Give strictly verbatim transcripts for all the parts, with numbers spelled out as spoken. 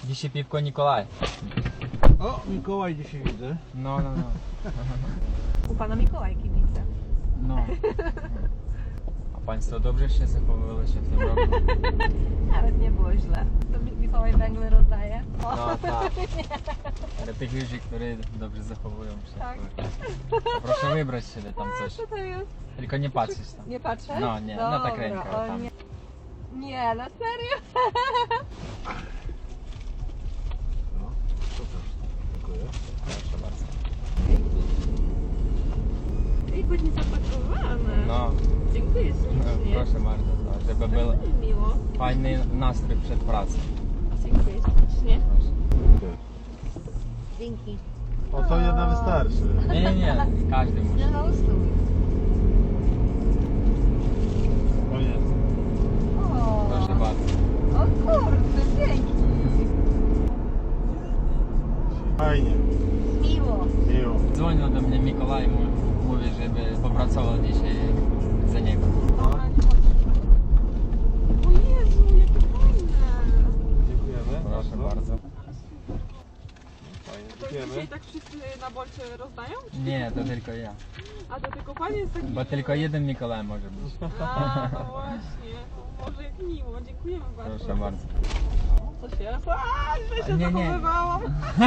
Dzisiaj piwko Nikolaj. O, Mikołaj dzisiaj widzę. No, no, no. U pana Mikołaj kibice. No. A państwo dobrze się zachowywali się w tym roku? Nawet nie było źle. To Mi- Mikołaj węgle rozdaje. O, No tak. Dla tych ludzi, którzy dobrze zachowują się. Tak. Proszę wybrać sobie tam coś. co to jest? Tylko nie patrzeć tam. Nie patrzę? No, nie, no tak Dobra, ręka o tam. Nie, nie, na serio? No, super. Dziękuję. Proszę bardzo. I ładnie zapakowane. No, Dziękuję no ślicznie. proszę bardzo, no, żeby był Bardzo mi miło. fajny nastrój przed pracą. Dziękuję ślicznie. Proszę. Dzięki. O, to jedna wystarczy. Nie, nie, nie, każdy musi. No, ustój. O nie. O, Proszę bardzo. o kurde, dzięki. Fajnie. Miło. Miło. Dzwonił do mnie Mikołaj, mu- mówi, żeby popracował dzisiaj za niego. Dobra, nie chodź. O Jezu, jakie fajne. Dziękujemy. Proszę bardzo. Fajnie, To dziękujemy. dzisiaj tak wszyscy na bolcie rozdają? Nie, to tylko ja. A to tylko pan jest taki Bo tylko jeden Mikołaj może być. A, no właśnie. No, może jak miło. Dziękujemy bardzo. Proszę bardzo. Co się? A, źle się Nie, nie. zachowywałam.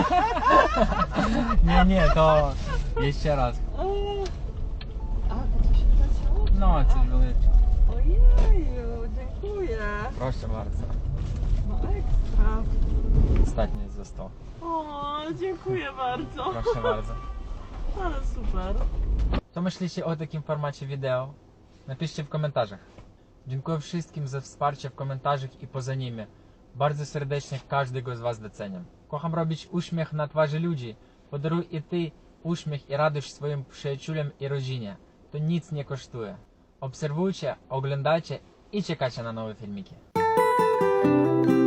Nie, nie, to jeszcze raz. A, to coś się zacięło? No, coś wyleciał. Ojeju, dziękuję. Proszę bardzo. No ekstra. Ostatni został. O, dziękuję bardzo. Proszę bardzo. Ale super. Co myślicie o takim formacie wideo? Napiszcie w komentarzach. Dziękuję wszystkim za wsparcie w komentarzach i poza nimi. Bardzo serdecznie każdego z Was doceniam. Kocham robić uśmiech na twarzy ludzi. Podaruj i Ty uśmiech i radość swoim przyjaciółom i rodzinie. To nic nie kosztuje. Obserwujcie, oglądajcie i czekajcie na nowe filmiki.